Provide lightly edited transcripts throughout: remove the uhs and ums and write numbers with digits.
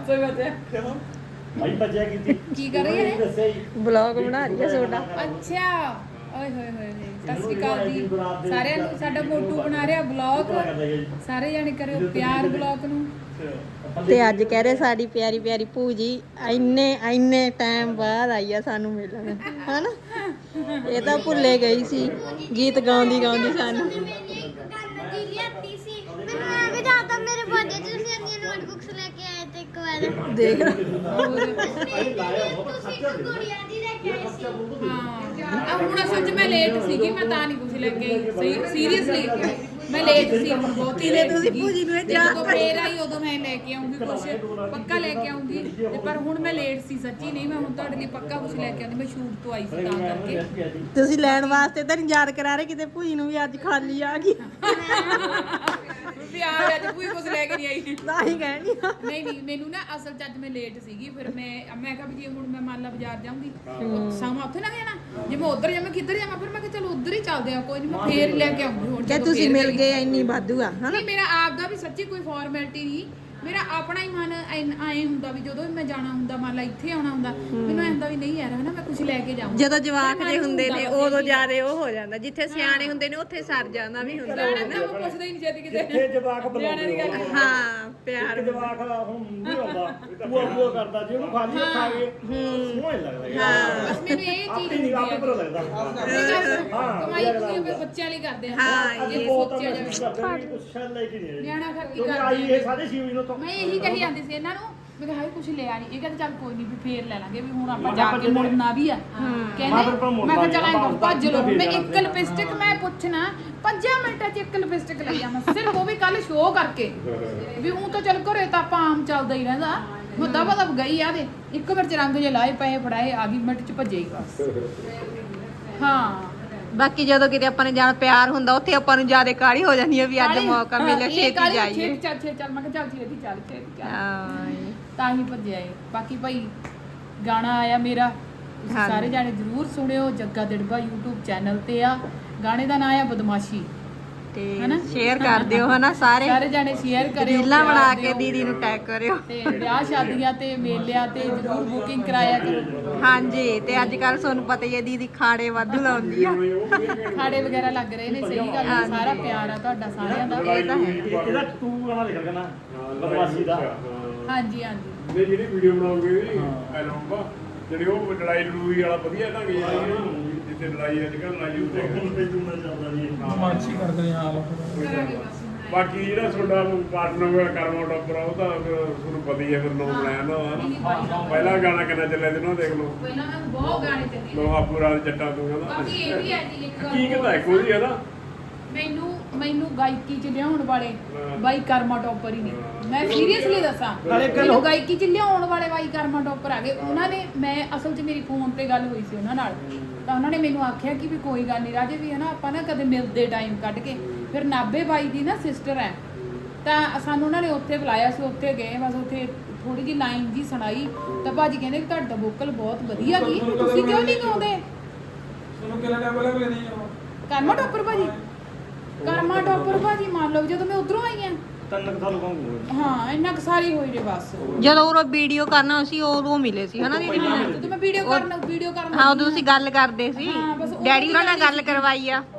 500 ਬਚਿਆ ਭਾਈ ਬਚਿਆ ਕੀ ਕਰ ਰਹੀ ਹੈ ਬਲੌਗ ਬਣਾ ਰਹੀ ਹੈ ਤੁਹਾਡਾ। ਅੱਛਾ ਓਏ ਹੋਏ ਹੋਏ ਸਤਿ ਸ਼੍ਰੀ ਅਕਾਲ ਜੀ ਸਾਰਿਆਂ ਨੂੰ। ਸਾਡਾ ਮੋਟੂ ਬਣਾ ਰਿਹਾ ਬਲੌਗ, ਸਾਰੇ ਜਾਣੇ ਕਰਿਓ ਪਿਆਰ ਬਲੌਗ ਨੂੰ। ਤੇ ਅੱਜ ਕਹਿ ਰਹੇ ਸਾਡੀ ਪਿਆਰੀ ਪਿਆਰੀ ਭੂਜੀ ਇੰਨੇ ਟਾਈਮ ਬਾਅਦ ਆਈ ਆ ਸਾਨੂੰ ਮਿਲਣ, ਹਨਾ। ਇਹ ਤਾਂ ਭੁੱਲੇ ਗਈ ਸੀ ਗੀਤ ਗਾਉਂਦੀ ਸਾਨੂੰ। ਮੇਰੇ ਬਰਥਡੇ ਤੇ ਤੁਸੀਂ ਇੰਨੀਆਂ ਨੋਟਬੁੱਕਸ ਲੈ ਕੇ ਆਏ ਤੇ ਇੱਕ ਵਾਰ ਦੇਖ ਤੁਸੀਂ ਗੁੜੀਆ ਦੀ ਲੈ ਕੇ ਆਏ ਸੀ। ਹਾਂ ਹੁਣ ਅਸਲ 'ਚ ਮੈਂ ਲੇਟ ਸੀਗੀ, ਮੈਂ ਤਾਂ ਨਹੀਂ ਕੁਝ ਲੈ ਕੇ ਆਈ। ਸੀਰੀਅਸਲੀ ਮੈਂ ਲੇਟ ਸੀ ਬਹੁਤ। ਕਿਲੇ ਤੁਸੀਂ ਭੂਜੀ ਨੂੰ ਜਦੋਂ ਫੇਰ ਆਈ ਉਦੋਂ ਮੈਂ ਲੈ ਕੇ ਆਉਂਗੀ ਕੁਝ, ਪੱਕਾ ਲੈ ਕੇ ਆਉਂਗੀ। ਤੇ ਪਰ ਹੁਣ ਮੈਂ ਲੇਟ ਸੀ ਸੱਚੀ, ਨਹੀਂ ਮੈਂ ਹੁਣ ਤੁਹਾਡੇ ਲਈ ਪੱਕਾ ਕੁਝ ਲੈ ਕੇ ਆਉਂਦੀ। ਮੈਂ ਸ਼ੂਟ ਤੋਂ ਆਈ ਸੀ ਤਾਂ ਕਰਕੇ। ਤੁਸੀਂ ਲੈਣ ਵਾਸਤੇ ਤਾਂ ਨਹੀਂ ਯਾਦ ਕਰਾ ਰਹੇ ਕਿਤੇ ਭੂਜੀ ਨੂੰ ਵੀ ਅੱਜ ਖਾਲੀ ਆ ਗਈ। ਵੀ ਆ ਅੱਜ ਕੋਈ ਕੁਝ ਲੈ ਕੇ ਨਹੀਂ ਆਈ। ਤਾਂ ਹੀ ਕਹਿਣੀ ਨਹੀਂ ਮੈਨੂੰ ਨਾ ਅਸਲ 'ਚ ਅੱਜ ਮੈਂ ਲੇਟ ਸੀਗੀ। ਫਿਰ ਮੈਂ ਕਿਹਾ ਵੀ ਜੇ ਹੁਣ ਮੈਂ ਮੰਨ ਲਾ ਬਾਜ਼ਾਰ ਜਾਊਂਗੀ ਸਮਾਂ ਉੱਥੇ ਲੰਘ ਜਾਣਾ। ਜੇ ਮੈਂ ਉੱਧਰ ਜਾਵਾਂ ਕਿੱਧਰ ਜਾਵਾਂ, ਫਿਰ ਮੈਂ ਕਿਹਾ ਚਲੋ ਉੱਧਰ ਹੀ ਚੱਲਦੇ ਆ, ਕੋਈ ਨਹੀਂ ਮੈਂ ਫੇਰ ਲੈ ਕੇ ਆਉਂਗੀ। ਹੁਣ ਕਿ ਤੁਸੀਂ ਮਿਲ ਗਏ ਇੰਨੀ ਵਾਧੂ ਆ, ਹਨਾ। ਨਹੀਂ ਮੇਰਾ ਆਪ ਦਾ ਵੀ ਸੱਚੀ ਕੋਈ ਫਾਰਮੈਲਿਟੀ ਨਹੀਂ, ਮੇਰਾ ਆਪਣਾ ਹੀ ਮਨ ਐਂ ਹੁੰਦਾ ਵੀ ਜਦੋਂ ਵੀ ਮੈਂ ਜਾਣਾ ਹੁੰਦਾ, ਮੰਨ ਲਾ ਇੱਥੇ ਆਉਣਾ ਹੁੰਦਾ, ਮੈਨੂੰ ਐਂ ਹੁੰਦਾ ਵੀ ਨਹੀਂ ਯਾਰ ਹਨਾ ਮੈਂ ਕੁਝ ਲੈ ਕੇ ਜਾਵਾਂ। ਜਦੋਂ ਜਵਾਕ ਜੇ ਹੁੰਦੇ ਨੇ ਉਦੋਂ ਜ਼ਿਆਦਾ ਉਹ ਹੋ ਜਾਂਦਾ, ਜਿੱਥੇ ਸਿਆਣੇ ਹੁੰਦੇ ਨੇ ਉੱਥੇ ਸਰ ਜਾਂਦਾ ਵੀ ਹੁੰਦਾ ਹੈ ਨਾ। ਮੈਂ ਪੁੱਛਦਾ ਹੀ ਨਹੀਂ ਛੇਤੀ ਕਿਤੇ ਜਿੱਥੇ ਜਵਾਕ ਬੁਲਾਉਂਦੇ ਹੋ। ਹਾਂ ਪਿਆਰ ਜਵਾਕ ਹੁਣ ਨਹੀਂ ਆਉਂਦਾ, ਬੂਆ ਕਰਦਾ ਜੇ ਉਹਨੂੰ ਖਾਲੀ ਖਾਵੇ ਸੋਹਣਾ ਹੀ ਲੱਗਦਾ ਯਾਰ। ਬਸ ਮੈਨੂੰ ਇਹ ਚੀਜ਼ ਨਹੀਂ ਆਪੇ ਪਤਾ ਲੱਗਦਾ। ਕਮਾਈ ਤੁਸੀਂ ਮੇਰੇ ਬੱਚਿਆਂ ਲਈ ਕਰਦੇ ਆ। ਹਾਂ ਇਹ ਸੋਚਿਆ ਜਾਵੇ ਕੁਛ ਸ਼ਾਇਦ ਲੈ ਕੇ ਨਹੀਂ ਨਿਆਣਾ ਘਰ ਕੀ ਕਿਉਂਕਿ ਆਈ ਕਰਦੇ ਇਹ ਸਾਡੇ ਸ਼ਿਵ ਜੀ ਨੂੰ ਤੋਂ ਮੈਂ ਇਹੀ ਕਹੀ ਜਾਂਦੀ ਸੀ ਇਹਨਾਂ ਨੂੰ, ਮੈਂ ਕਿਹਾ ਹਾਏ ਕੁਝ ਲਿਆ ਨਹੀਂ। ਇਹ ਕਹਿੰਦੇ ਚੱਲ ਕੋਈ ਨਹੀਂ ਵੀ ਫੇਰ ਲੈ ਲਾਂਗੇ, ਵੀ ਹੁਣ ਆਪਾਂ ਜਾ ਕੇ ਮੁੜਨਾ ਵੀ ਆ। ਕਹਿੰਦੇ ਮੈਂ ਕਿਹਾ ਚੱਲ ਐਂ ਭੱਜ ਲਓ। ਮੈਂ ਇੱਕ ਲਿਪਸਟਿਕ ਮੈਂ ਪੁੱਛਣਾ 5 ਮਿੰਟਾਂ 'ਚ ਇੱਕ ਲਿਪਸਟਿਕ ਲਈ ਆਵਾਂ, ਸਿਰਫ ਉਹ ਵੀ ਕੱਲ ਸ਼ੋਅ ਕਰਕੇ। ਵੀ ਉਹ ਤਾਂ ਚੱਲ ਘਰੇ ਤਾਂ ਆਪਾਂ ਆਮ ਚੱਲਦਾ ਹੀ ਰਹਿੰਦਾ। ਮੈਂ ਦਬਾ ਗਈ ਆ ਦੇ ਇੱਕ ਮਿੰਟ 'ਚ ਰੰਗ ਜੇ ਲਾਏ ਪਏ ਫੜਾਏ ਆ ਗਈ, ਮਿੰਟ 'ਚ ਭੱਜੇ ਹੀ ਬਸ। ਹਾਂ ਬਾਕੀ ਜਦੋਂ ਕਿਤੇ ਆਪਾਂ ਨੇ ਜਾਣਾ ਪਿਆਰ ਹੁੰਦਾ ਉੱਥੇ ਆਪਾਂ ਨੂੰ ਜ਼ਿਆਦਾ ਕਾਹਲੀ ਹੋ ਜਾਂਦੀ ਹੈ ਵੀ ਅੱਜ ਮੌਕਾ ਮਿਲਿਆ ਛੇਤੀ ਜਾਈਏ। ਚੱਲ ਮੈਂ ਕਿਹਾ ਚੱਲ ਛੇਤੀ ਚੱਲ ਹਾਂ ਤਾਂ ਹੀ ਭੱਜਿਆ ਏ। ਬਾਕੀ ਭਾਈ ਗਾਣਾ ਆਇਆ ਮੇਰਾ, ਤੁਸੀਂ ਸਾਰੇ ਜਾਣੇ ਜ਼ਰੂਰ ਸੁਣਿਓ। ਜੱਗਾ ਦਿੜਬਾ YouTube ਚੈਨਲ ਤੇ ਆ। ਗਾਣੇ ਦਾ ਨਾਮ ਆ ਬਦਮਾਸ਼ੀ, ਤੇ ਸ਼ੇਅਰ ਕਰ ਦਿਓ ਹਨਾ ਸਾਰੇ ਜਾਣੇ ਸ਼ੇਅਰ ਕਰਿਓ, ਰੀਲਾਂ ਬਣਾ ਕੇ ਦੀਦੀ ਨੂੰ ਟੈਗ ਕਰਿਓ। ਤੇ ਵਿਆਹ ਸ਼ਾਦੀਆਂ ਤੇ ਮੇਲਿਆਂ ਤੇ ਜ਼ਰੂਰ ਬੁਕਿੰਗ ਕਰਾਇਆ ਕਰੋ। ਹਾਂਜੀ ਤੇ ਅੱਜ ਕੱਲ ਤੁਹਾਨੂੰ ਪਤਾ ਹੀ ਹੈ ਦੀਦੀ ਖਾੜੇ ਵਾਧੂ ਲਾਉਂਦੀ ਆ। ਖਾੜੇ ਵਗੈਰਾ ਲੱਗ ਰਹੇ ਨੇ, ਸਹੀ ਗੱਲ ਹੈ। ਸਾਰਾ ਪਿਆਰ ਆ ਤੁਹਾਡਾ ਸਾਰਿਆਂ ਦਾ। ਇਹ ਤਾਂ ਹੈ। ਇਹਦਾ ਤੂੰ ਗਾਣਾ ਲਿਖ ਕਰਨਾ ਬਦਮਾਸ਼ੀ ਦਾ। ਹਾਂਜੀ ਹਾਂਜੀ ਨੇ ਜਿਹੜੀ ਵੀਡੀਓ ਬਣਾਉਂਗੇ ਐਲਬਮ ਜਿਹੜੀ ਉਹ ਲੜਾਈ ਲੜੂਈ ਵਾਲਾ ਵਧੀਆ ਢੰਗ ਜਿੱਥੇ ਲੜਾਈ ਅੱਜ ਕੱਲ੍ਹ ਲੜਾਈ ਹੁੰਦੀ ਮਾਨਸੀ ਕਰਦੇ ਆ ਹਾਲ। ਬਾਕੀ ਜਿਹੜਾ ਤੁਹਾਡਾ ਪਾਰਟਨਰ ਕਰਮਾ ਟੋਪਰ ਆ ਉਹ ਤਾਂ ਤੁਹਾਨੂੰ ਪਤਾ ਹੀ ਹੈ ਫਿਰ ਨਾਮ ਬਣਾਇਆ ਨਾ। ਪਹਿਲਾ ਗਾਣਾ ਕਿੰਨਾ ਚੱਲਿਆ ਤੇ ਨਾ ਦੇਖ ਲਓ। ਪਹਿਲਾਂ ਮੈਂ ਬਹੁਤ ਗਾਣੇ ਚੱਲੇ। ਲੋਹਾ ਪੂਰਾ ਜੱਟਾਂ ਤੋਂ ਕਹਿੰਦਾ ਬਾਕੀ ਇਹ ਵੀ ਹੈ ਜੀ ਇੱਕ ਗੱਲ ਕੀ ਕਹਿੰਦਾ ਕੋਈ ਹੈ ਨਾ। ਮੈਨੂੰ ਗਾਇਕੀ ਚ ਲਿਆਉਣ ਵਾਲੇ ਬਾਈ ਕਰਮਾ ਟੋਪਰ ਹੀ ਨਹੀਂ। ਮੈਂ ਸੀਰੀਅਸਲੀ ਦੱਸਾਂ, ਮੈਨੂੰ ਗਾਇਕੀ ਚ ਲਿਆਉਣ ਵਾਲੇ ਬਾਈ ਕਰਮਾ ਟੋਪਰ ਆ ਗਏ। ਉਹਨਾਂ ਨੇ ਮੈਂ ਅਸਲ ਚ ਮੇਰੀ ਫੋਨ ਤੇ ਗੱਲ ਹੋਈ ਸੀ ਉਹਨਾਂ ਨਾਲ, ਤਾਂ ਉਹਨਾਂ ਨੇ ਮੈਨੂੰ ਆਖਿਆ ਕਿ ਵੀ ਕੋਈ ਗੱਲ ਨਹੀਂ ਰਾਜੇ ਵੀ ਹੈ ਨਾ ਆਪਾਂ ਨਾ ਕਦੇ ਮਿਲਦੇ ਟਾਈਮ ਕੱਢ ਕੇ। ਫਿਰ ਨਾਭੇ ਬਾਈ ਦੀ ਨਾ ਸਿਸਟਰ ਹੈ, ਤਾਂ ਸਾਨੂੰ ਉਹਨਾਂ ਨੇ ਉੱਥੇ ਬੁਲਾਇਆ ਸੀ। ਉੱਥੇ ਗਏ, ਬਸ ਉੱਥੇ ਥੋੜੀ ਜਿਹੀ ਲਾਈਨ ਜੀ ਸੁਣਾਈ ਤਾਂ ਭਾਜੀ ਕਹਿੰਦੇ ਕਿ ਤੁਹਾਡਾ ਵੋਕਲ ਬਹੁਤ ਵਧੀਆ ਗਈ, ਤੁਸੀਂ ਕਿਉਂ ਨਹੀਂ ਗਾਉਂਦੇ? ਤੁਹਾਨੂੰ ਕਿੰਨਾ ਟਾਈਮ ਲੱਗਿਆ ਨਹੀਂ ਕਰਮਾ ਟੋਪਰ ਭਾਜੀ, ਕਰਮਾ ਟੋਪਰ ਭਾਜੀ ਮੰਨ ਲਓ ਜਦੋਂ ਮੈਂ ਉਧਰੋਂ ਆਈ ਆ ਤੰਨ ਤੁਹਾਨੂੰ ਕਹੂੰਗਾ। ਹਾਂ ਇੰਨਾ ਕੁ ਸਾਰੀ ਹੋਈ ਜੇ ਬਸ। ਜਦੋਂ ਉਹ ਵੀਡੀਓ ਕਰਨਾ ਸੀ ਉਦੋਂ ਮਿਲੇ ਸੀ ਹਨਾ ਦੀਦੀ। ਜਦੋਂ ਮੈਂ ਵੀਡੀਓ ਕਰਨਾ ਹਾਂ ਉਦੋਂ ਤੁਸੀਂ ਗੱਲ ਕਰਦੇ ਸੀ, ਡੈਡੀ ਉਹਨਾਂ ਨਾਲ ਗੱਲ ਕਰਵਾਈ ਆ।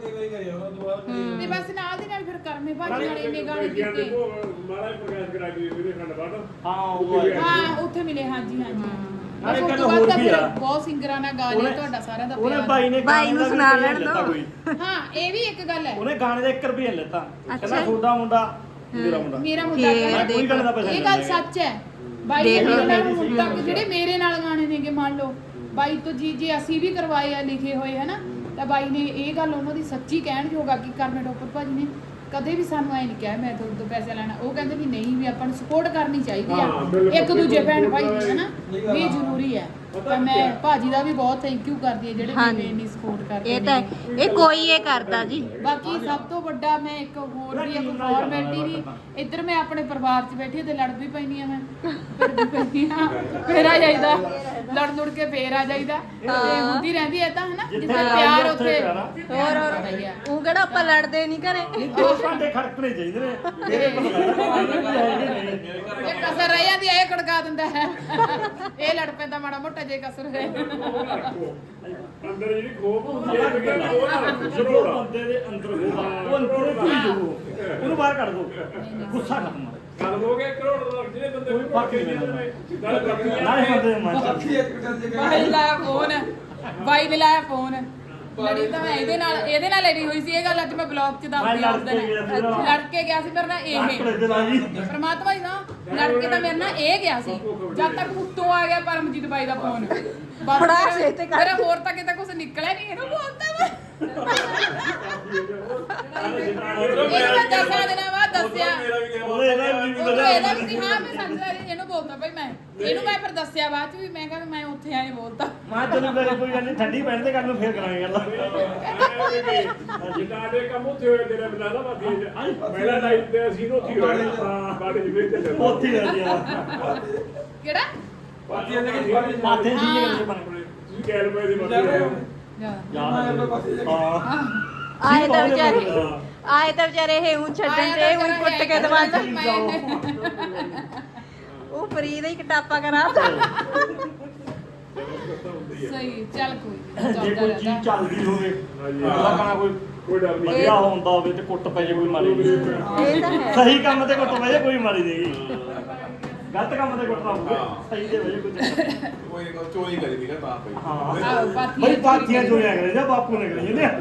ਤੇ ਬਸ ਨਾਲ ਦੀ ਨਾਲ ਫਿਰ ਕਰਮੇ ਭਾਜੀ ਨਾਲ ਇੰਨੇ ਗਾਣੇ ਕੀਤੇ। ਮਾਲਾ ਪ੍ਰਕਾਸ਼ ਕਰਾ ਕੇ ਵੀਰੇ ਖੰਡ ਬਾੜ ਹਾਂ ਉੱਥੇ ਮਿਲੇ। ਹਾਂਜੀ ਨਾਲੇ ਕਹਿੰਦਾ ਹੋਰ ਵੀ ਆ ਬਹੁਤ ਸਿੰਗਰਾਂ ਨਾਲ ਗਾ ਲਿਆ ਤੁਹਾਡਾ ਸਾਰਿਆਂ ਦਾ ਉਹਨੇ ਪਿਆਰ। ਬਾਈ ਨੂੰ ਸੁਣਾ ਲੈਣ ਦਿਓ। ਹਾਂ ਇਹ ਵੀ ਇੱਕ ਗੱਲ ਹੈ। ਉਹਨੇ ਗਾਣੇ ਦਾ 1 ਰੁਪਿਆ ਲੈਤਾ, ਕਹਿੰਦਾ ਤੁਹਾਡਾ ਮੁੰਡਾ ਮੇਰਾ ਮੁੰਡਾ। ਮੇਰਾ ਮੁੰਡਾ ਮੈਂ ਕੋਈ ਗੱਲ ਦਾ ਪੈਸਾ ਇਹ ਗੱਲ ਸੱਚ ਹੈ। ਬਾਈ ਨੇ ਮੇਰੇ ਨਾਲ ਹੁਣ ਤੱਕ ਜਿਹੜੇ ਮੇਰੇ ਨਾਲ ਗਾਣੇ ਨੇਗੇ ਮੰਨ ਲਓ ਬਾਈ ਤੋਂ ਜੀ ਅਸੀਂ ਵੀ ਕਰਵਾਏ ਆ ਲਿਖੇ ਹੋਏ ਹਨਾ, ਤਾਂ ਬਾਈ ਨੇ ਇਹ ਗੱਲ ਉਹਨਾਂ ਦੀ ਸੱਚੀ ਕਹਿਣਯੋਗ ਆ ਕਿ ਕਰਮੇ ਟੋਪਰ ਭਾਜੀ ਨੇ ਕਦੇ ਵੀ ਸਾਨੂੰ ਐ ਨਹੀਂ ਕਿਹਾ ਮੈਂ ਤੁਹਾਡੇ ਤੋਂ ਪੈਸੇ ਲੈਣਾ। ਉਹ ਕਹਿੰਦੇ ਵੀ ਨਹੀਂ ਵੀ ਆਪਾਂ ਨੂੰ ਸਪੋਰਟ ਕਰਨੀ ਚਾਹੀਦੀ ਆ ਇੱਕ ਦੂਜੇ ਭੈਣ ਭਾਈ ਦੀ ਹਨਾ, ਵੀ ਜ਼ਰੂਰੀ ਹੈ। ਤਾਂ ਮੈਂ ਭਾਜੀ ਦਾ ਵੀ ਬਹੁਤ ਥੈਂਕ ਯੂ ਕਰਦੀ ਹਾਂ ਜਿਹੜੇ ਮੈਨੂੰ ਇੰਨੀ ਸਪੋਰਟ ਕਰਦੇ ਇਹ ਤਾਂ ਇਹ ਕੋਈ ਇਹ ਕਰਦਾ ਜੀ। ਬਾਕੀ ਸਭ ਤੋਂ ਵੱਡਾ ਮੈਂ ਇੱਕ ਹੋਰ ਵੀ ਇੱਕ ਫਾਰਮੈਲਿਟੀ ਵੀ ਇੱਧਰ ਮੈਂ ਆਪਣੇ ਪਰਿਵਾਰ 'ਚ ਬੈਠੀ ਤੇ ਲੜ ਵੀ ਪੈਣੀ ਆ, ਮੈਂ ਫਿਰ ਵੀ ਪੈਣੀ ਆ, ਫਿਰ ਆ ਜਾਈਦਾ ਲੜ ਲੁੜ ਕੇ ਫੇਰ ਆ ਜਾਈਦਾ ਤੇ ਹੁੰਦੀ ਰਹਿੰਦੀ ਐ ਤਾਂ ਹਨਾ ਜਿੱਥੇ ਜਿੱਥੇ ਪਿਆਰ ਪਿਆਰ ਉੱਥੇ ਉੱਥੇ ਪਿਆਰ ਆ। ਹੋਰ ਉਹ ਕਿਹੜਾ ਆਪਾਂ ਲੜਦੇ ਨਹੀਂ ਘਰੇ ਨਹੀਂ 2 ਘੰਟੇ ਖੜਕਣੇ ਚਾਹੀਦੇ ਨੇ ਮੇਰੇ ਪਤਾ ਲੱਗਦਾ ਜੇ ਕਸਰ ਰਹਿ ਜਾਂਦੀ ਐ ਇਹ ਖੜਕਾ ਦਿੰਦਾ ਹੈ ਇਹ ਲੜ ਪੈਂਦਾ ਮਾੜਾ ਮੋਟਾ ਜੇ ਕਸਰ ਹੋਏ ਅੰਦਰ ਜਿਹੜੀ ਖੋਪ ਹੁੰਦੀ ਹੈ ਉਹ ਨਾ ਰੱਖੋ, ਜਦੋਂ ਜ਼ਰੂਰ। ਬੰਦੇ ਦੇ ਅੰਦਰ ਹੋਊਗਾ ਉਹ ਅੰਦਰੋਂ ਭੁੱਲ ਜਾਊ ਉਹਨੂੰ ਬਾਹਰ ਕੱਢ ਦੋ ਗੁੱਸਾ ਖਤਮ ਗੱਲ ਹੋ ਗਿਆ ਕਰੋੜ ਦਾ ਜਿਹੜੇ ਬੰਦੇ ਕੋਈ ਫਰਕ ਨਹੀਂ ਪੈਂਦਾ। ਨਾਲੇ ਬਾਕੀ ਨਾਲੇ ਬੰਦੇ ਦੇ ਮਨ ਚ ਅੱਖੀ ਇੱਕ ਦੂਜੇ ਦੇ ਬਾਈ ਲਾਇਆ ਫੋਨ ਬਾਈ ਨੇ ਲਾਇਆ ਫੋਨ ਲੜੀ ਤਾਂ ਮੈਂ ਇਹਦੇ ਨਾਲ ਲੜੀ ਹੋਈ ਸੀ ਇਹ ਗੱਲ ਅੱਜ ਮੈਂ ਬਲੌਗ 'ਚ ਦੱਸਦੀ ਆ ਉਹਦੇ ਨਾਲ ਲੜ ਕੇ ਗਿਆ ਸੀ ਮੇਰੇ ਨਾਲ ਆਕੜੇ ਇਹ ਦੇ ਨਾਲ ਜੀ ਪਰਮਾਤਮਾ ਜੀ ਨਾ ਲੜ ਕੇ ਤਾਂ ਮੇਰੇ ਨਾਲ ਇਹ ਗਿਆ ਸੀ ਜਦ ਤੱਕ ਉੱਤੋਂ ਆ ਗਿਆ ਪਰਮਜੀਤ ਬਾਈ ਦਾ ਫੋਨ ਫੜਾ ਛੇ ਤੇ ਕਰ। ਮੇਰਾ ਹੋਰ ਤਾਂ ਕਿਤੇ ਕੁਝ ਨਿਕਲਿਆ ਨਹੀਂ ਇਹਨੂੰ ਬੋਲਦਾ ਵਾ ਇਹਨੂੰ ਮੈਂ 10 ਦਿਨਾਂ ਬਾਅਦ ਦੱਸਿਆ ਇਹਦਾ ਵੀ ਸੀ ਹਾਂ ਮੈਂ ਸਮਝਦਾ ਇਹਨੂੰ ਬੋਲਦਾ ਭਾਈ ਮੈਂ ਇਹਨੂੰ ਮੈਂ ਫਿਰ ਦੱਸਿਆ ਬਾਅਦ ਚ ਵੀ ਮੈਂ ਕਿਹਾ ਮੈਂ ਉੱਥੇ ਆਏ ਬੋਲਤਾ ਮਾਂ ਚਲੋ ਮੇਰੇ ਕੋਈ ਗੱਲ ਨਹੀਂ ਠੰਡੀ ਪੈਣ ਤੇ ਕੱਲ ਨੂੰ ਫੇਰ ਕਰਾਂਗੇ ਗੱਲ ਜਿੱਦਾਂ ਦੇ ਕੰਮ ਉੱਥੇ ਹੋਏ ਤੇਰੇ ਬਿਨਾਂ ਨਾ ਬਾਕੀ ਪਹਿਲਾ ਲਾਈਫ ਤੇ ਅਸੀਂ ਉੱਥੇ ਹੋਏ ਬਾੜੇ ਜਿਵੇਂ ਤੇ ਚੱਲਦਾ ਉੱਥੇ ਹੀ ਰਹਿ ਗਿਆ ਕਿਹੜਾ ਪਾਤੀਆਂ ਦੇ ਕੇ ਬਾਅਦ ਮਾਥੇ ਜੀ ਜਿਹੜੇ ਬਣ ਤੁਸੀਂ ਕਹਿ ਲਓ ਇਹਦੀ ਬਾਤ ਆਏ ਤਾਂ ਵਿਚਾਰੇ ਇਹ ਉਂ ਛੱਡਣ ਤੇ ਉਂ ਕੁੱਟ ਕੇ ਦਵਾ ਉਹ ਫਰੀ ਦਾ ਹੀ ਕਟਾਪਾ ਕਰਾ ਸਹੀ ਚੱਲ ਕੋਈ ਜੇ ਕੋਈ ਚੀਜ਼ ਚੱਲਦੀ ਹੋਵੇ ਹਾਂਜੀ। ਅਗਲਾ ਕਹਣਾ ਕੋਈ ਕੋਈ ਡਰ ਨਹੀਂ ਵਧੀਆ ਹੁੰਦਾ ਹੋਵੇ ਤੇ ਕੁੱਟ ਪੈ ਜੇ ਕੋਈ ਮਾਰੀ ਨਹੀਂ ਇਹ ਤਾਂ ਹੈ ਸਹੀ ਕੰਮ ਤੇ ਕੁੱਟ ਪੈ ਜੇ ਕੋਈ ਮਾਰੀ ਦੇਗੀ ਗਲਤ ਕੰਮ ਤੇ ਕੁੱਟ ਨਾ ਹੋਵੇ ਸਹੀ ਦੇ ਵਜੇ ਕੋਈ ਚੱਕਰ ਨਹੀਂ। ਕੋਈ ਚੋਰੀ ਕਰੀ ਦੀਗਾ ਤਾਂ ਪਈ ਹਾਂ ਬਈ ਪਾਥੀਆਂ ਚੋਰੀਆਂ ਕਰੇ ਜਾਂ ਬਾਪੂ ਨੇ ਕਰੀ ਜਾਂਦੇ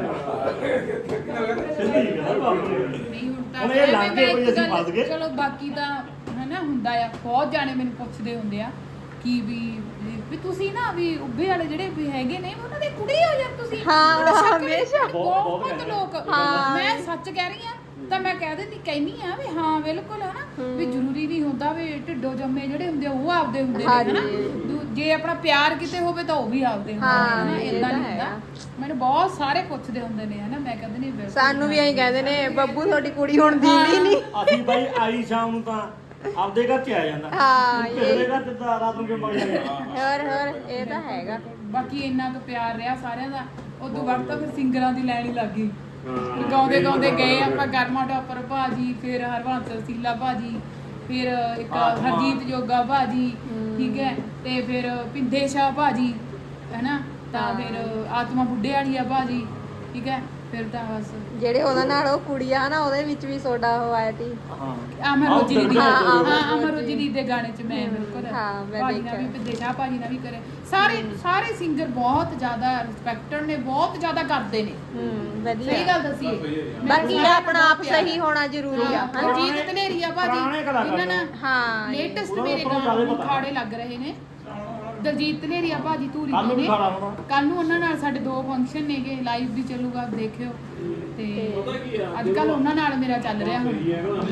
ਸਿੱਧੀ ਗੱਲ ਬਾਪੂ ਨੇ ਕਰੀ। ਨਹੀਂ ਹੁਣ ਤਾਂ ਹੁਣ ਇਹ ਲੰਘ ਗਏ, ਮੈਂ ਕੋਈ ਇੱਕ ਅਸੀਂ ਗੱਲ- ਫਸ ਗਏ। ਚਲੋ ਬਾਕੀ ਤਾਂ ਹਨਾ ਹੁੰਦਾ ਆ ਬਹੁਤ ਜਾਣੇ ਮੈਨੂੰ ਪੁੱਛਦੇ ਹੁੰਦੇ ਆ ਕਿ ਵੀ ਤੁਸੀਂ ਨਾ ਵੀ ਉੱਭੇ ਵਾਲੇ ਜਿਹੜੇ ਵੀ ਹੈਗੇ ਨੇ ਉਹਨਾਂ ਦੇ ਕੁੜੀ ਹੋ ਯਾਰ ਤੁਸੀਂ ਹਾਂ, ਬੜਾ ਸ਼ੱਕ ਹਮੇਸ਼ਾ। ਬਹੁਤ ਬਹੁਤ ਲੋਕ ਹਾਂ। ਮੈਂ ਸੱਚ ਕਹਿ ਰਹੀ ਆ ਤਾਂ ਮੈਂ ਕਹਿਨੀ ਆ ਵੀ ਹਾਂ ਬਿਲਕੁਲ ਹਨਾ ਵੀ ਜ਼ਰੂਰੀ ਨਹੀਂ ਹੁੰਦਾ ਵੀ ਢਿੱਡੋ ਜੰਮੇ ਜਿਹੜੇ ਹੁੰਦੇ ਆ ਉਹ ਆਪਦੇ ਹੁੰਦੇ ਨੇ ਹਨਾ ਜੇ ਆਪਣਾ ਪਿਆਰ ਕਿਤੇ ਹੋਵੇ ਤਾਂ ਉਹ ਵੀ ਆਪਦੇ ਹੁੰਦੇ ਹਾਂ, ਨੇ ਹਨਾ ਇਹ ਇਦਾਂ ਤਾਂ ਨਹੀਂ ਹੁੰਦਾ ਮੈਨੂੰ ਬਹੁਤ ਸਾਰੇ ਪੁੱਛਦੇ ਹੁੰਦੇ ਨੇ ਹਨਾ ਮੈਂ ਕਹਿੰਦੀ ਨਹੀਂ ਬਿਲਕੁਲ ਸਾਨੂੰ ਵੀ ਐਂ ਕਹਿੰਦੇ ਨੇ ਬੱਬੂ ਤੁਹਾਡੀ ਕੁੜੀ ਹੁਣ ਦੀਦੀ ਨਹੀਂ ਅਸੀਂ ਬਾਈ ਆਈ ਸ਼ਾਮ ਨੂੰ ਤਾਂ ਆਪਦੇ ਘਰ ਚ ਆ ਜਾਂਦਾ ਹਾਂ, ਕਿਸੇ ਦੇ ਘਰ ਚ ਤਾਂ ਰਾਤ ਨੂੰ ਕਿਉਂ ਮਗ ਜਾਂਦੇ ਹੋਰ ਇਹ ਤਾਂ ਹੈਗਾ ਬਾਕੀ ਇੰਨਾ ਕੁ ਪਿਆਰ ਰਿਹਾ ਸਾਰਿਆਂ ਦਾ ਉਦੋਂ ਬਾਅਦ ਤਾਂ ਫਿਰ ਸਿੰਗਰਾਂ ਦੀ ਲੈਣ ਹੀ ਲੱਗ ਗਈ ਫਿਰ ਗਾਉਂਦੇ ਗਾਉਂਦੇ ਗਏ ਆਪਾਂ ਗਰਮਾ ਟੋਪਰ ਭਾਜੀ ਫਿਰ ਹਰਵੰਸ ਸੀਲਾ ਭਾਜੀ ਫਿਰ ਇੱਕ ਹਰਜੀਤ ਜੋਗਾ ਭਾਜੀ ਠੀਕ ਹੈ ਤੇ ਫਿਰ ਪਿੰਦੇ ਸ਼ਾਹ ਭਾਜੀ ਹੈਨਾ ਤਾਂ ਫਿਰ ਆਤਮਾ ਬੁੱਢੇ ਵਾਲੀਆ ਭਾਜੀ ਠੀਕ ਹੈ ਫਿਰ ਤਾਂ ਬਸ ਜਿਹੜੇ ਉਹਨਾਂ ਨਾਲ ਉਹ ਕੁੜੀ ਆ ਨਾ ਉਹਦੇ ਵਿੱਚ ਵੀ ਸੋਡਾ ਉਹ ਆਇਆ ਸੀ ਹਾਂ ਅਮਰ ਰੋਜੀ ਦੀ ਹਾਂ, ਹਾਂ ਅਮਰ ਰੋਜੀ ਦੀ ਦੇ ਗਾਣੇ 'ਚ ਮੈਂ ਬਿਲਕੁਲ ਹਾਂ, ਮੈਂ ਭਾਜੀ ਨਾਲ ਵੀ ਦੇਖਿਆ। ਪਿੰਦੇ ਸ਼ਾਹ ਭਾਜੀ ਨਾਲ ਵੀ ਕਰੇ ਸਾਰੇ ਸਿੰਗਰ ਬਹੁਤ ਜ਼ਿਆਦਾ ਰਿਸਪੈਕਟਡ ਨੇ ਬਹੁਤ ਜ਼ਿਆਦਾ ਕਰਦੇ ਨੇ ਵਧੀਆ ਸਹੀ ਗੱਲ ਦੱਸੀਏ ਬਾਕੀ ਆਪਣਾ ਆਪ ਸਹੀ ਹੋਣਾ ਜ਼ਰੂਰੀ ਆ ਹਾਂ ਹਰਜੀਤ ਧਨੇਰੀਆ ਭਾਜੀ ਪੁਰਾਣੇ ਕਲਾਕਾਰ ਇਹਨਾਂ ਨਾਲ ਹਾਂ ਲੇਟੈਸਟ ਉਹਨਾਂ ਮੇਰੇ ਨੂੰ ਜ਼ਿਆਦਾ ਗਾਣੇ ਪਤਾ। ਖਾੜੇ ਲੱਗ ਰਹੇ ਨੇ ਦਲਜੀਤ ਧਨੇਰੀਆ ਭਾਜੀ ਧੂਰੀ ਕੱਲ ਨੂੰ ਦੇ ਵੀ ਨੇ ਖਾਣਾ ਹੋਣਾ ਕੱਲ ਨੂੰ ਉਹਨਾਂ ਨਾਲ ਸਾਡੇ 2 ਫੰਕਸ਼ਨ ਨੇਗੇ ਲਾਈਵ ਵੀ ਚੱਲੂਗਾ ਦੇਖਿਓ ਤੇ ਅੱਜ ਕੱਲ ਉਹਨਾਂ ਨਾਲ ਮੇਰਾ ਚੱਲ ਰਿਹਾ ਹੁਣ